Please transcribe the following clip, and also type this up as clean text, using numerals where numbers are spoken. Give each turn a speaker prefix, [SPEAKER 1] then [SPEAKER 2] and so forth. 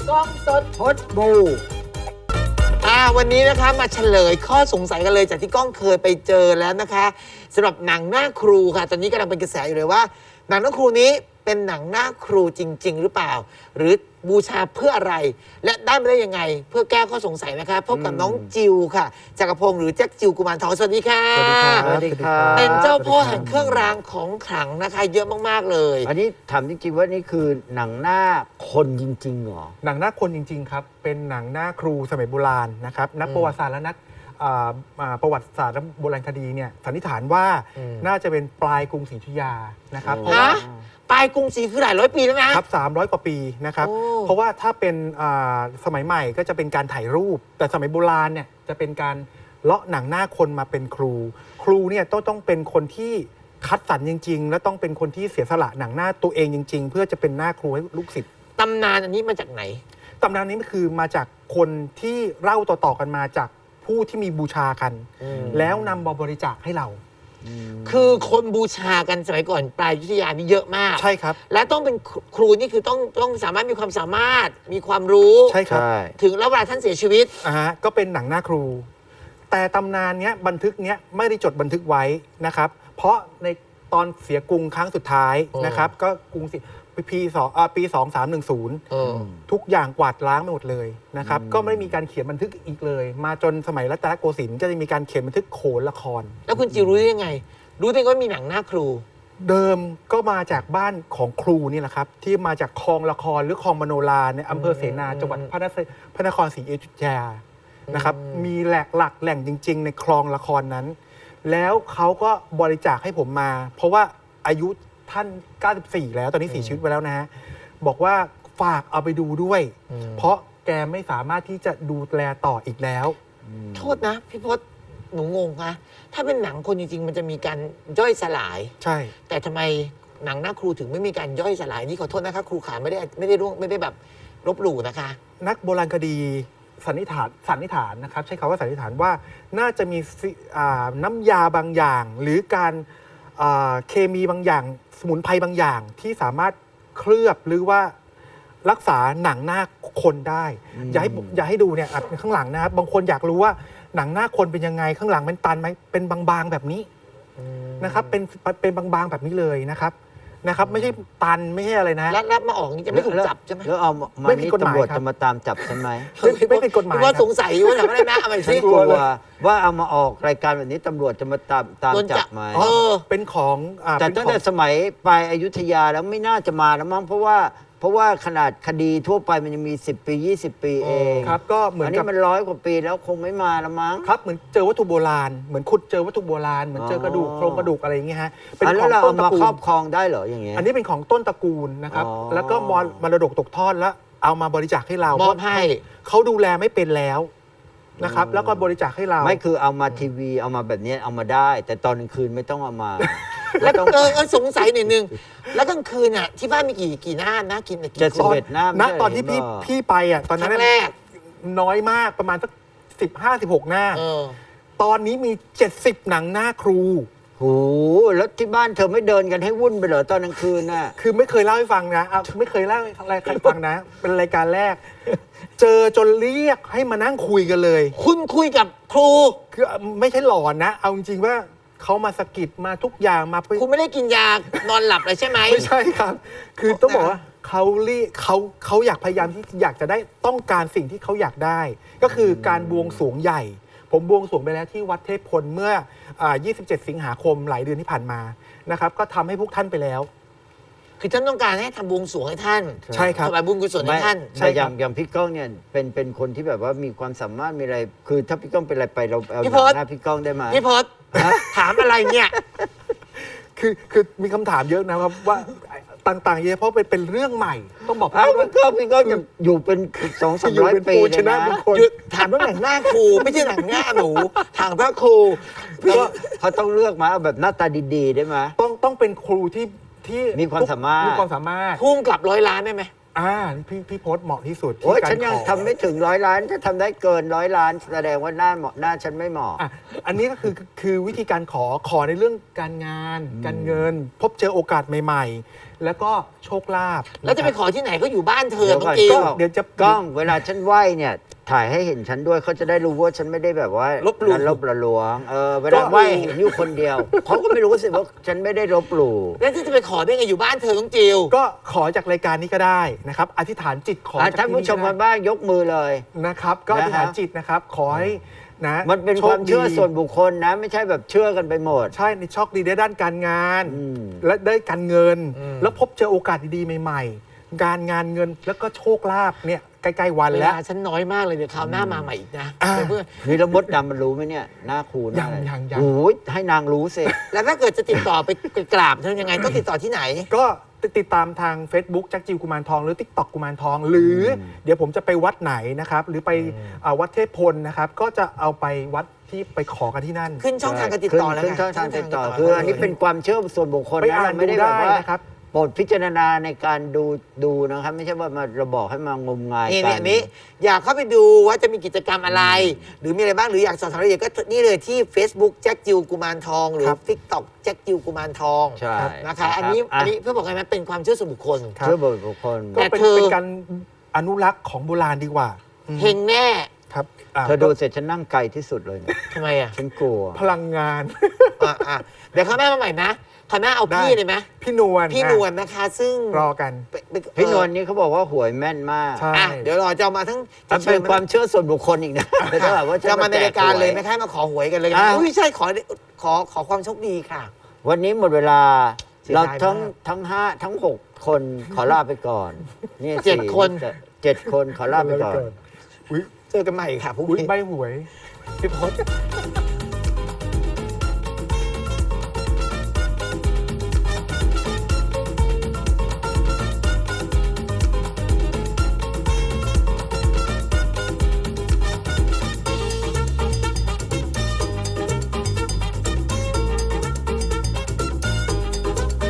[SPEAKER 1] กล้องสดพดบูวันนี้นะคะมาเฉลยข้อสงสัยกันเลยจากที่กล้องเคยไปเจอแล้วนะคะสำหรับหนังหน้าครูค่ะตอนนี้กำลังเป็นกระแสอยู่เลยว่าหนังหน้าครูนี้เป็นหนังหน้าครูจริงๆหรือเปล่าหรือบูชาเพื่ออะไรและได้มาได้ยังไงเพื่อแก้ข้อสงสัยนะคะพบกับน้องจิวค่ะจักรพงศ์หรือแจ็คจิวกุมารทองสวัสดีค่ะ
[SPEAKER 2] สวัสดีครับ
[SPEAKER 1] เป็นเจ้าพ่อแห่งเครื่องรางของขลังนะคะเยอะมากๆเลย
[SPEAKER 2] อันนี้ถามจริงๆว่านี่คือหนังหน้าคนจริงๆเหรอ
[SPEAKER 3] หนังหน้าคนจริงๆครับเป็นหนังหน้าครูสมัยโบราณนะครับนักประวัติศาสตร์และนักประวัติศาสตร์และโบราณคดีเนี่ยสันนิษฐานว่าน่าจะเป็นปลายกรุงศรีอยุธยานะครับเพราะว่า
[SPEAKER 1] ปลายกรุงศรีคือหลายร้อยปีแล้วนะครับ
[SPEAKER 3] 300 กว่าปีนะครับเพราะว่าถ้าเป็นสมัยใหม่ก็จะเป็นการถ่ายรูปแต่สมัยโบราณเนี่ยจะเป็นการเลาะหนังหน้าคนมาเป็นครูครูเนี่ยต้องเป็นคนที่คัดสรรจริงๆและต้องเป็นคนที่เสียสละหนังหน้าตัวเองจริงๆเพื่อจะเป็นหน้าครูให้ลูกศิษย์
[SPEAKER 1] ตำนานอันนี้มาจากไหน
[SPEAKER 3] ตำนานนี้คือมาจากคนที่เล่าต่อๆกันมาจากผู้ที่มีบูชากันแล้วนำมาบริจาคให้เรา
[SPEAKER 1] คือคนบูชากันสมัยก่อนปลายอยุธยานี่เยอะมาก
[SPEAKER 3] ใช่ครับ
[SPEAKER 1] และต้องเป็นครูนี่คือต้องสามารถมีความสามารถมีความรู้
[SPEAKER 3] ใช่ครับ
[SPEAKER 1] ถึงแล้วเวลาท่านเสียชีวิต
[SPEAKER 3] ก็เป็นหนังหน้าครูแต่ตำนานเนี้ยบันทึกเนี้ยไม่ได้จดบันทึกไว้นะครับเพราะในตอนเสียกรุงครั้งสุดท้ายนะครับก็กรุงปี2310ทุกอย่างกวาดล้างไปหมดเลยนะครับก็ไม่มีการเขียนบันทึกอีกเลยมาจนสมัยรัตนโกสินทร์จะมีการเขียนบันทึกโขนละคร
[SPEAKER 1] แล้วคุณจิวรู้ได้ยังไงรู้ได้ว่ามีหนังหน้าครู
[SPEAKER 3] เดิมก็มาจากบ้านของครูนี่แหละครับที่มาจากคลองละครหรือคลองมโนราในอำเภอเสนาจังหวัดพระนครศรีอยุธยานะครับมีหลักแหล่งจริงๆในคลองละครนั้นแล้วเขาก็บริจาคให้ผมมาเพราะว่าอายุท่าน94แล้วตอนนี้เสียชีวิตไปแล้วนะฮะบอกว่าฝากเอาไปดูด้วยเพราะแกไม่สามารถที่จะดูแลต่ออีกแล้ว
[SPEAKER 1] โทษนะพี่พศหนูงงนะถ้าเป็นหนังคนจริงๆมันจะมีการย่อยสลาย
[SPEAKER 3] ใช่
[SPEAKER 1] แต่ทำไมหนังหน้าครูถึงไม่มีการย่อยสลายนี่ขอโทษนะคะครูขาไม่ได้แบบลบหลู่นะคะ
[SPEAKER 3] นักโบราณคดีสันนิษฐานนะครับใช้คำว่าสันนิษฐานว่าน่าจะมีน้ำยาบางอย่างหรือการเคมีบางอย่างสมุนไพรบางอย่างที่สามารถเคลือบหรือว่ารักษาหนังหน้าคนได้อย่าให้ดูเนี่ยข้างหลังนะครับบางคนอยากรู้ว่าหนังหน้าคนเป็นยังไงข้างหลังเป็นตันไหมเป็นบางๆแบบนี้นะครับเป็นบางๆแบบนี้เลยนะครับไม่ใช่ตันไม่ใช่อะไรนะ
[SPEAKER 1] แล้วมาออกนี่จะไม่ถูกจับใช่ไหม
[SPEAKER 2] แล้วเอาไม่ผิดกฎหมายจะมาตามจับใช่ไหม
[SPEAKER 3] ไม่ผิดกฎหมาย
[SPEAKER 1] ว่าสงสัยว่าทำอะไรนะอะไรสิ
[SPEAKER 2] กลัวว่าเอามาออกรายการแบบนี้ตำรวจจะมาตามจับไหม
[SPEAKER 3] เป็นของ
[SPEAKER 2] แต่ตั้งแต่สมัยปลายอยุธยาแล้วไม่น่าจะมาแล้วมั้งเพราะว่าขนาดคดีทั่วไปมันยังมี10 ปี 20 ปีเอง
[SPEAKER 3] ครับก็เหมือน
[SPEAKER 2] อันนี้มัน100 กว่าปีแล้วคงไม่มาแล้วมั้ง
[SPEAKER 3] ครับเหมือนเจอวัตถุโบราณเหมือนขุดเจอวัตถุโบราณเหมือนเจอกระดูกโครงกระดูกอะไรอย่างเงี้ยฮะ
[SPEAKER 2] เป็นของต้นตระกูลครอบครองได้เหรออย่างเงี้ย
[SPEAKER 3] อันนี้เป็นของต้นตระกูลนะครับแล้วก็มรดกตกทอดแล้วเอามาบริจาคให้เรา
[SPEAKER 1] มอบให้
[SPEAKER 3] เขาดูแลไม่เป็นแล้วนะครับแล้วก็บริจาคให้เรา
[SPEAKER 2] ไม่คือเอามาทีวีเอามาแบบนี้เอามาได้แต่ตอนกลางคืนไม่ต้องเอามา
[SPEAKER 1] แล้วสงสัยนิดนึงแล้วกลางคืนเนี่ยที่บ้านมีกี่หน้านะกินกี่
[SPEAKER 2] 71 หน้า
[SPEAKER 3] ณตอนที่พี่ไปตอนนั้น
[SPEAKER 1] แรก
[SPEAKER 3] น้อยมากประมาณสัก15-16 หน้าตอนนี้มี70 หนังหน้าครู
[SPEAKER 2] โหแล้วที่บ้านเธอไม่เดินกันให้วุ่นไปเหรอตอนกลางคืนน่ะ
[SPEAKER 3] คือไม่เคยเล่าให้ฟังนะไม่เคยเล่าอะไรใครฟังนะเป็นรายการแรกเจอจนเรียกให้มานั่งคุยกันเลย
[SPEAKER 1] คุณคุยกับครู
[SPEAKER 3] คือไม่ใช่หลอนนะเอาจริงๆว่าเขามาสะกิดมาทุกอย่างมา
[SPEAKER 1] คุณไม่ได้กินยานอนหลับเลยใช่ไหม
[SPEAKER 3] ไม่ใช่ครับคือต้องบอกว่าเขาอยากพยายามที่อยากจะได้ต้องการสิ่งที่เขาอยากได้ก็คือการบวงสรวงใหญ่ผมบวงสรวงไปแล้วที่วัดเทพพลเมื่อ27 สิงหาคมหลายเดือนที่ผ่านมานะครับก็ทำให้พวกท่านไปแล้ว
[SPEAKER 1] คือท่านต้องการให้ทำบวงสรวงให้ท่าน
[SPEAKER 3] ใช่ครับ
[SPEAKER 1] ถวายบุญกุศลให้ท่าน
[SPEAKER 2] ใช่อย่างพี่ก้องเนี่ยเป็นคนที่แบบว่ามีความสามารถมีอะไรคือถ้าพี่ก้องเป็นอะไรไปเราเอาหน้าพี่ก้องได้ไหม
[SPEAKER 1] พี่พศถามอะไรเนี่ย
[SPEAKER 3] คือมีคำถามเยอะนะครับว่าต่างๆเยอะเพราะเป็นเรื่องใหม่ต้องบอก
[SPEAKER 2] ว่าพี่ก้องจะอยู่เป็น200-300 ปีเลยนะ
[SPEAKER 1] ถามว่าหนังหน้าครูไม่ใช่หนังหน้าหนูถามว่าครู
[SPEAKER 2] เขาต้องเลือกมาแบบหน้าตาดีๆได้ไหม
[SPEAKER 3] ต้องเป็นครูที่
[SPEAKER 2] มีความสามารถ
[SPEAKER 1] พุ่งกลับ100 ล้านได้ไหม
[SPEAKER 3] พี่โพสต์เหมาะที่สุด
[SPEAKER 2] โอ้ย
[SPEAKER 3] ที่การ
[SPEAKER 2] ฉันยัง
[SPEAKER 3] ขอ
[SPEAKER 2] ทำไม่ถึง100 ล้านถ้าทำได้เกิน100 ล้านแสดงว่าหน้าเหมาะหน้าฉันไม่เหมาะ
[SPEAKER 3] อ่ะอันนี้ก็คือวิธีการขอในเรื่องการงาน การเงิน พบเจอโอกาสใหม่ๆ แล้วก็โชคลาภ
[SPEAKER 1] แล้วจะไปขอที่ไหนก็อยู่บ้านเธอ
[SPEAKER 2] เดี๋ยว
[SPEAKER 1] น้อ
[SPEAKER 2] ก่อง น
[SPEAKER 1] จิว
[SPEAKER 3] เดี๋ยวจะ
[SPEAKER 2] กล้องเวลาฉันไหว้เนี่ย ถ่ายให้เห็นฉันด้วยเขาจะได้รู้ว่าฉันไม่ได้แบบว่า
[SPEAKER 1] ลบหลู่
[SPEAKER 2] ลบละลวงเวลาไหว้เห็นอยู่คนเดียวเขาก็ไม่รู้สิว่าฉันไม่ได้ลบหลู่
[SPEAKER 1] แล้วที่จะไปขอได้ไงอยู่บ้านเธอน้องจิว
[SPEAKER 3] ก็ขอจากรายการนี้ก็ได้นะครับอธิษฐานจิตขอจาก
[SPEAKER 2] ท่านผู้ชม
[SPEAKER 3] ที่
[SPEAKER 2] กันบ้างยกมือเลย
[SPEAKER 3] นะครับ ก็อธิษฐานจิตนะครับขอให้นะ
[SPEAKER 2] มันเป็นความเชื่อส่วนบุคคลนะ ไม่ใช่แบบเชื่อกันไปหมด
[SPEAKER 3] ใช่ในโชคดีได้ด้านการงาน
[SPEAKER 2] อืม
[SPEAKER 3] และได้การเงิน
[SPEAKER 1] อืม
[SPEAKER 3] แล้วพบเจอโอกาสดีๆใหม่ๆ การงานเงินแล้วก็โชคลาภเนี่ยใกล้ๆวัน
[SPEAKER 1] เว
[SPEAKER 3] แล้ว
[SPEAKER 1] ลาฉันน้อยมากเลยเดี๋ยวคราวหน้ามาใหม่อีกนะ
[SPEAKER 3] อ่า
[SPEAKER 1] เพื่อน
[SPEAKER 2] นี่แล้วมดดำมันรู้ไหมเนี่ยหน้าครูหน้าอะไร
[SPEAKER 3] ยัง
[SPEAKER 2] โอ้ยให้นางรู้สิ
[SPEAKER 1] แล้วถ้าเกิดจะติดต่อไปกราบเธอยังไงต้องติดต่อที่ไหน
[SPEAKER 3] ก็ติดตามทาง Facebook แจ็คจิวกุมารทองหรือ TikTok กุมารทอง หรืออเดี๋ยวผมจะไปวัดไหนนะครับ หรือไปวัดเทพพลนะครับ ก็จะเอาไปวัดที่ไปขอกันที่นั่น
[SPEAKER 1] ขึ้นช่องทางการติดต่อแล้ว
[SPEAKER 2] ขึ้น
[SPEAKER 1] ไง
[SPEAKER 2] ช่องทางติดต่อคืออันนี้เป็นความเชื่อส่วนบุคคล
[SPEAKER 3] ไป
[SPEAKER 2] นะ
[SPEAKER 3] อ่าน
[SPEAKER 2] เราไม่ได้
[SPEAKER 3] ดู
[SPEAKER 2] แบบ
[SPEAKER 3] ได้
[SPEAKER 2] ว่า
[SPEAKER 3] นะครับ
[SPEAKER 2] โปรดพิจารณาในการดูนะครับ ไม่ใช่ว่ามาเราบอกให้มางมงาย
[SPEAKER 1] นี่
[SPEAKER 2] กั
[SPEAKER 1] อันนี้อยากเข้าไปดูว่าจะมีกิจกรรมอะไร หรือมีอะไรบ้างหรืออยากสอบถามรายละเอียดก็นี่เลยที่ Facebook แจ็คจิวกุมารทอง หรือ
[SPEAKER 3] ครับ
[SPEAKER 1] TikTok แจ็คจิวกุมารทอง
[SPEAKER 2] ใช่
[SPEAKER 1] นะคะ อันนี้เพื่อบอกไงไหมเป็นความเชื่อส่วนบุคคล
[SPEAKER 3] ครับ
[SPEAKER 2] เชื่อบุคคล
[SPEAKER 3] ก็
[SPEAKER 1] แต่
[SPEAKER 3] เป็น
[SPEAKER 1] เธอ
[SPEAKER 3] เป็นการอนุรักษ์ของโบราณดีกว่าอืม
[SPEAKER 1] เฮงแน่
[SPEAKER 3] ครับ
[SPEAKER 2] เธอดูเสร็จฉันนั่งไกลที่สุดเลยเนี่ย
[SPEAKER 1] ทำไมอ่ะ
[SPEAKER 2] ฉันกลัว
[SPEAKER 3] พลังงาน
[SPEAKER 1] เดี๋ยวข้าวหน้ามาใหม่นะข้าวหน้าเอาพี่
[SPEAKER 3] ได้
[SPEAKER 1] เลยไหม
[SPEAKER 3] พี่นวล
[SPEAKER 1] พี่นวลนะคะ ซึ่ง
[SPEAKER 3] รอกัน
[SPEAKER 2] พี่นวลนี่เขาบอกว่าหวยแม่นมาก
[SPEAKER 3] ใช่
[SPEAKER 1] เดี๋ยวรอจะเอามาทั้ง
[SPEAKER 2] มันเป็นความเชื่อส่วนบุคคลอีกนะไม่ใช่แบบว่าฉั
[SPEAKER 1] จะมาในรายการเลย
[SPEAKER 2] แจ
[SPEAKER 1] ไม่
[SPEAKER 2] หว
[SPEAKER 1] ใช่มาขอหวยกันเลย
[SPEAKER 2] อ่ะ
[SPEAKER 1] อุ้ยใช่ขอความโชคดีค่ะ
[SPEAKER 2] วันนี้หมดเวลา
[SPEAKER 1] เสียดาย
[SPEAKER 2] เรา
[SPEAKER 1] มาก
[SPEAKER 2] ทั้ง5ทั้ง 6 คนขอลาไปก่อนนี่
[SPEAKER 1] เจ็ด
[SPEAKER 2] สี่
[SPEAKER 1] คน
[SPEAKER 2] 7 คนขอลาไปก่อน
[SPEAKER 3] อุ๊ย
[SPEAKER 1] เจอกันใหม่ค่ะพรุ่ง
[SPEAKER 3] อุ๊ย
[SPEAKER 1] นี้
[SPEAKER 3] ใบหวยพี่พศ